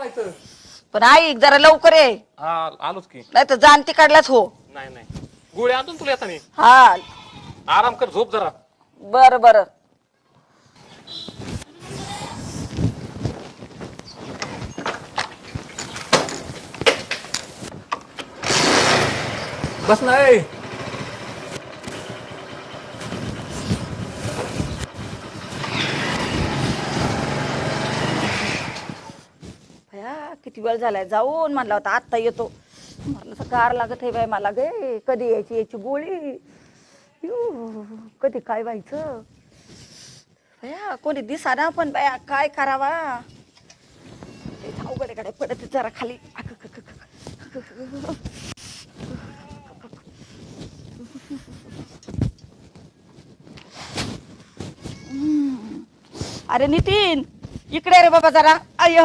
लावायचं. पण ऐक जरा लवकर ये, हा आलोच की. नाही तर जाण तिकडलाच हो. नाही नाही गोळी आणतो ना तुला येतानी. हा आराम कर, झोप जरा. बर बर. बस नाही. किती वेळ झालाय जाऊन म्हणला होता आत्ता येतो. मला गार लागत आहे बाय मला गे. कधी यायची याची गोळी. कधी काय व्हायचं भया. कोणी दिसाना पण बाया काय करावा. अवघड कडे पडत जरा खाली. अरे नितीन इकडे रे बाबा जरा. अयो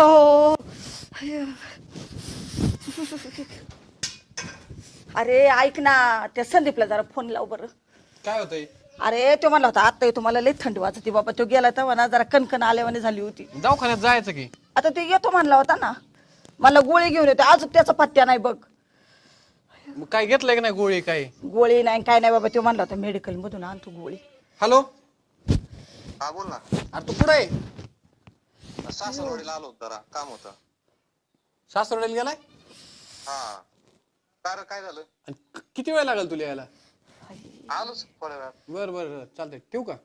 अरे ऐक ना, त्या संदीपला जरा फोन लाव बरं. काय होतंय? अरे तो म्हणला होता आता तुम्हाला लई थंडी वाजते बाबा. तो गेला तेव्हा ना जरा कणकण आल्यावानी झाली होती. दवाखान्यात जायचं की. आता तो येतो म्हणला होता ना. मला गोळी घेऊन येतो. अजून त्याचा पत्त्या नाही बघ. मग काय घेतलंय की नाही गोळी? काय गोळी नाही काय नाही बाबा. तो म्हणला होता मेडिकल मधून आणतो गोळी. हॅलो, हा बोल ना. अरे तू कुठं आहे? सासरवाडीला आलो होतो, जरा काम होतं. सासरवाडीला गेलाय? हा काय काय झालं? आणि किती वेळ लागेल तुला यायला? आलोच थोड्या वेळात. बर बर चालतंय, ठेवू का?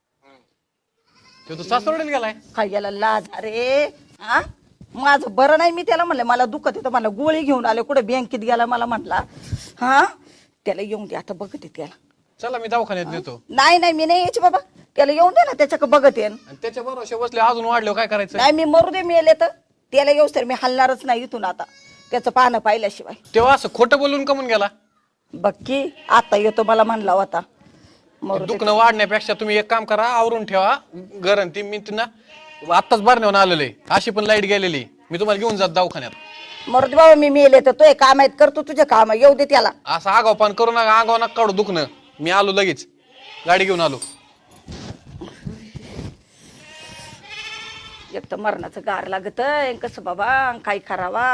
तो सासरवाडीला गेलाय. काय गेला लाज. अरे हा माझं बरं नाही. मी त्याला म्हणलं मला दुखत येतं. मला गोळी घेऊन आले. कुठे बँकेत गेला मला म्हटला. हा त्याला येऊन दे आता बघते त्याला. चला मी दवाखान्यात नेतो. नाही नाही मी नाही यायची बाबा. त्याला येऊन दे ना त्याच्याकडे बघत येईन. आणि त्याच्या बरोबर बसले अजून वाढले काय करायचं? नाही मी मरू दे मेले तर. त्याला येऊस तर मी हलणारच नाही इथून आता. त्याचं पाहणं पाहिल्याशिवाय. तेव्हा असं खोटं बोलून कमून गेला? बघ की आता येतो मला म्हणला होता. मरू दे. दुखणं वाढण्यापेक्षा तुम्ही एक काम करा, आवरून ठेवा गरण. ती मी ना आत्ताच भरण्यावर आलेले. अशी पण लाईट गेलेली. मी तुम्हाला घेऊन जात दवाखान्यात. मरू दे बाबा मी मेले तर. तो काम आहेत करतो तुझे काम. येऊ दे त्याला. असं आगावपान करू नका. आगाव नका काढू दुखणं. मी आलो लगेच, गाडी घेऊन आलो. एक तर मरणाचं गार लागत कसं बाबा. काय करावा.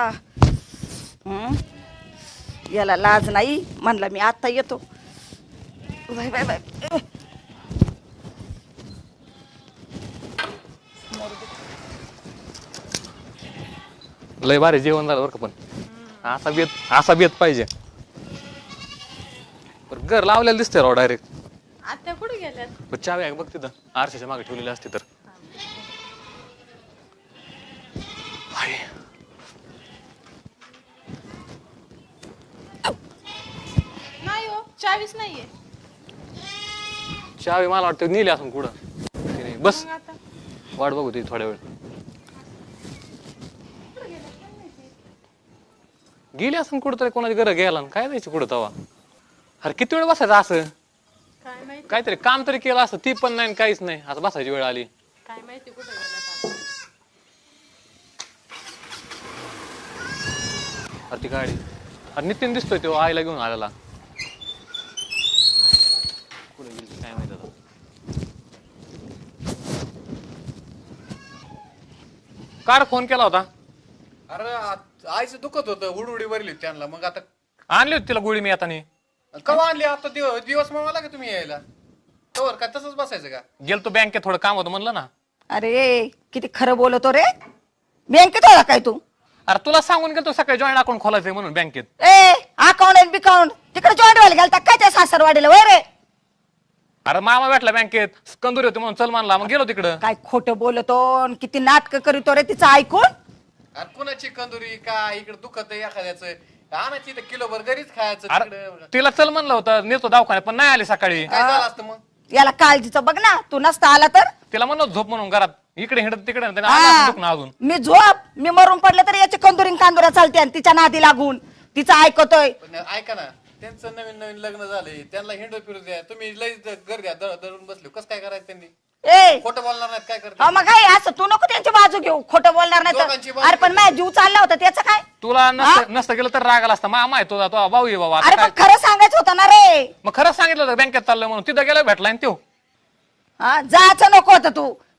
याला लाज नाही म्हणला मी आता येतो. Bye bye bye. लय भारी जेवण झालं बरं का. पण असा बेत पाहिजे. पण घर लावलेलं दिसतंय राव डायरेक्ट. आता कुठे गेल्यात? चावी आहे बघ तिथं आरशाच्या मागे ठेवलेली असते तर. हाय. नाही हो, चावीस नाहीये. चावी मला वाटतं नेली असून कुठं. तिने बस मग आता वाट बघू ती थोड्या वेळ. गेली असून कुठं तरी कोणाची घर गेला काय जायचं कुठं तवा. अरे किती वेळ बसायचं असं. काय माहिती, काहीतरी काम तरी केलं असतं. ती पण नाही काहीच नाही. आता बसायची वेळ आली. काय माहिती कुठे गेल्यात आता. अरे ती गाडी. अरे नितीन दिसतोय तो आईला घेऊन आलेला. कुठे गेली काय माहिती आता. कार फोन केला होता. अरे आईचं दुखत होतं, उडउडी भरली त्यांना. मग आता आणली होती तिला गोळी मी आता. कवा आणली? आता दिवस मला का तुम्ही यायला? तोवर काय तसंच बसायचं का? गेलतो बँकेत थोडं काम होतं म्हणलं ना. अरे किती खरं बोलतो रे. बँकेत आला काय तू? अरे तुला सांगून गेलतो सकाळी जॉईंट अकाउंट खोलायचंय म्हणून बँकेत. ए अकाउंट बिकाउंट तिकडे जॉईंट व्हायला गेलता काय त्या सासरवाडीला वय रे? अरे मामा भेटला बँकेत. कंदुरी होती म्हणून चल मानला. मग गेलो तिकडं. काय खोटं बोलतो अन किती नाटक करीतो रे तिचं ऐकून. अरे कुणाची कंदुरी काय? इकडे दुखत आहे एखाद्याचं. आणायची तर किलोभर घरीच खायचं. अरे तिकडे तिला चल म्हणलं होतं नेतो दवाखान्यात पण नाही आली सकाळी. काय झालं असतं मग? याला काळजीचं बघ ना. तू नसता आला तर. तिला म्हणलं झोप म्हणून घरात. इकडे हिंडत तिकडे हिंडत. हा. दुखणं अजून. मी झोप मी मरून पडले तर याची कंदुरी कांदुऱ्या चालते आणि तिच्या नादी लागून तिचं ऐकतोय. पण ऐका ना, त्यांचं नवीन नवीन लग्न झालंय. त्यांना हिंडू फिरू द्या. तुम्ही लई घर द्या धरून बसले. कसं काय करायचं त्यांनी? ए खोटं बोलणार नाहीत काय करते? हा मग काय असं तू नको त्यांची बाजू घेऊ. खोटं बोलणार नाही दोघांची तर. बाजू अरे पण माझ्या जीव चालला होता त्याचं काय. तुला नसतं गेलं तर राग आला असता. मामा आहे तुझा तो भाऊ आहे बाबा. आता अरे काय? पण खरं सांगायचं होतं ना रे. मग खरंच सांगितलं होतं बँकेत चाललं म्हणून. तिथं गेलं भेटला आणि तो. हा जायचं नको होतं तू.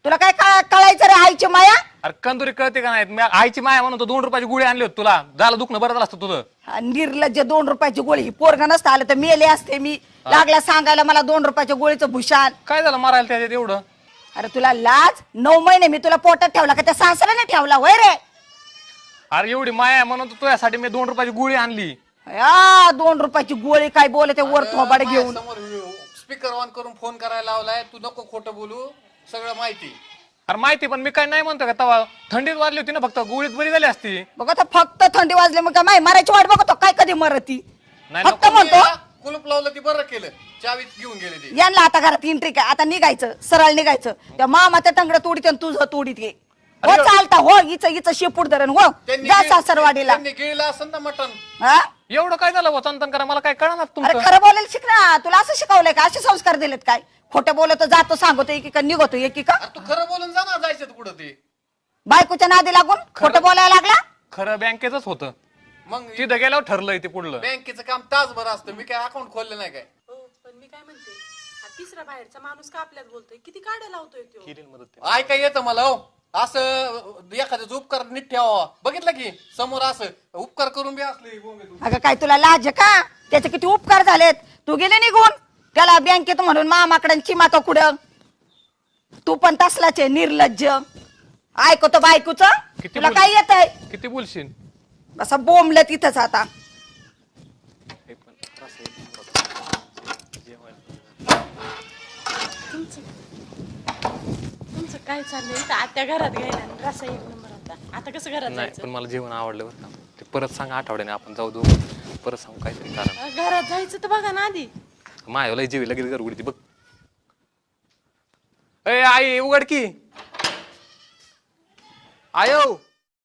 तुला काय कळायचं रे आईची माया? अरे कंदुरी कळते का नाही? मी आईची माया म्हणून 2 रुपयाची गोळी आणली होती तुला. झालं दुखणं बरं झालं असतं तुझं. हा, निर्लज्ज 2 रुपयाची गोळी. ही पोरग नसतं आलं तर मेले असते मी. लागला सांगायला मला 2 रुपयाच्या गोळीचं भूषण. काय झालं मारायला त्याच्यात एवढं? अरे तुला लाज? 9 महिने मी तुला पोटात ठेवला का त्या सासऱ्याने ठेवला होय रे? अरे एवढी माया आहे म्हणून तर तुझ्यासाठी मी 2 रुपयाची गोळी आणली. या 2 रुपयाची गोळी काय बोलते वर थोबाड घेऊन. समोर स्पीकर ऑन करून फोन करायला लावलाय. तू नको खोटं बोलू, सगळं माहिती. अरे माहिती, पण मी काय नाही म्हणतो का तवा थंडीत वाजली होती ना, फक्त गोळीत बरी झाली असती. बघ आता फक्त थंडी वाजली मग काय मारायची वाट बघतो काय कधी मरती? नाही फक्त म्हणतो कुलूप लावलं ती बरं केलं, चावी घेऊन गेले ती. यांना आता घरात एंट्री काय? आता निघायचं, सरळ निघायचं. त्या मामाचं टंगड तोडीत आणि तुझं तोडीत ये. हो चालता हो, हिचं शेपूट धरण हो. जा सासरवाडीला. त्यांनी गिळलं असेल ना मटण. हा? एवढं काय झालं वचन करा, मला काय कळणार अरे तुमचं? खरं बोलायला शिक ना. तुला असं शिकवलंय का? असे संस्कार दिलेत काय? खोटं बोलतो, जातो, सांगतो एकीका, निघतो एकीका. अरे तू खरं बोलून जा ना, जायचं कुठं ते. बायकोच्या नादी लागून खोटं बोलायला लागला. खरं बँकेच होतं. मग तिथं गेल्यावर ठरलंय ते पुढलं. बँकेचं काम तासभर असतं. मी काय अकाउंट खोललं नाही काय. हो पण मी काय म्हणते, हा तिसरा बाहेरचा माणूस का आपल्यात बोलतोय? किती काढ्या लावतोय तो. ऐका येतं मला हो. असं एखाद्याचा उपकार नीट ठेवा. बघितलं की समोर असं उपकार करून बी असले बोंबे तू. अगं काय तुला लाज आहे का? त्याचे किती उपकार झालेत. तू गेले निघून त्याला बँकेत म्हणून मामाकडे चिमातो कुठं. तू पण तसलाच आहे निर्लज्ज. ऐकतो बायकोच. किती तुला बोल- काय येत आहे? किती बोलशील? असं बोंबलं तिथंच आता. तुमचं काय चाललंय? इथं आत्या घरात घ्यायला आणि रस्सा 1 नंबर होता. आता कसं घरात नाही, जायचं? पण मला जेवण आवडलं बरं का. ते परत सांगा आठवड्याने आपण जाऊ दोघं. परत सांगू काहीतरी कारण. घरात जायचं तर बघा ना आधी. मायाला जेवी लगेच घर उघडती बघ. ए आई उघड की. आयो.